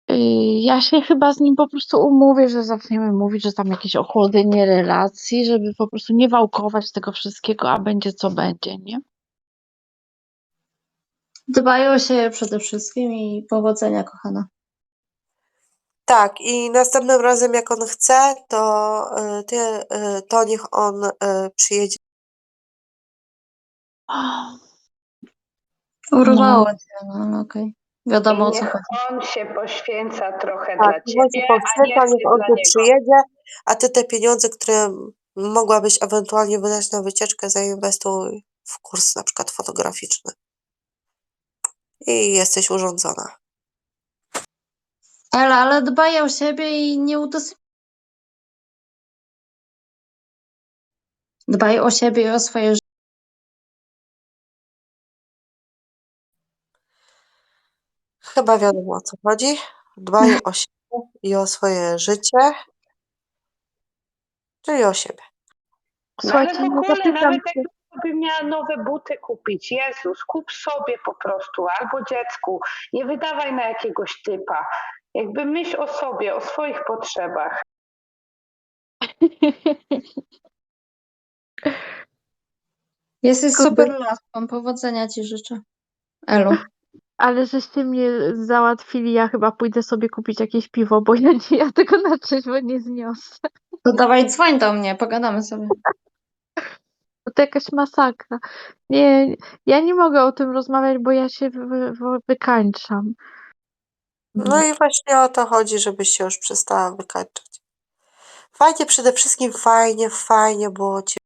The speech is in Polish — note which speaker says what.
Speaker 1: Ja się chyba z nim po prostu umówię, że zaczniemy mówić, że tam jakieś ochłodzenie relacji, żeby po prostu nie wałkować tego wszystkiego, a będzie co będzie, nie?
Speaker 2: Dbaj o siebie przede wszystkim i powodzenia, kochana.
Speaker 3: Tak, i następnym razem, jak on chce, to niech on przyjedzie.
Speaker 2: Urwało cię, no ale okej. Wiadomo, o co
Speaker 4: Niech
Speaker 2: chodzi.
Speaker 4: on się poświęca trochę
Speaker 3: Tak,
Speaker 4: dla
Speaker 3: niech on się
Speaker 4: ciebie, a nie
Speaker 3: poświęca,
Speaker 4: ty
Speaker 3: niech on
Speaker 4: dla
Speaker 3: tu
Speaker 4: niego.
Speaker 3: przyjedzie, a ty te pieniądze, które mogłabyś ewentualnie wydać na wycieczkę, zainwestuj w kurs na przykład fotograficzny. I jesteś urządzona.
Speaker 2: Ela, ale dbaj o siebie i nie Dbaj o siebie i o swoje życie.
Speaker 3: Chyba wiadomo, o co chodzi. Dbaj o siebie i o swoje życie, czyli o siebie.
Speaker 4: No ale
Speaker 1: Słuchajcie,
Speaker 4: w
Speaker 1: no
Speaker 4: ogóle,
Speaker 1: zapytam
Speaker 4: nawet
Speaker 1: się.
Speaker 4: jakbym miała nowe buty kupić, Jezus, kup sobie po prostu, albo dziecku. Nie wydawaj na jakiegoś typa. Jakby myśl o sobie, o swoich potrzebach.
Speaker 2: Jesteś
Speaker 1: Kurde.
Speaker 2: super laską, powodzenia ci życzę. Elu.
Speaker 1: Ale żeście mnie załatwili, ja chyba pójdę sobie kupić jakieś piwo, bo ja tego na trzeźwo nie zniosę.
Speaker 2: To dawaj dzwoń do mnie, pogadamy sobie.
Speaker 1: To jakaś masakra. Nie, ja nie mogę o tym rozmawiać, bo ja się wykańczam.
Speaker 3: No i właśnie o to chodzi, żebyś się już przestała wykańczać. Fajnie, przede wszystkim fajnie było cię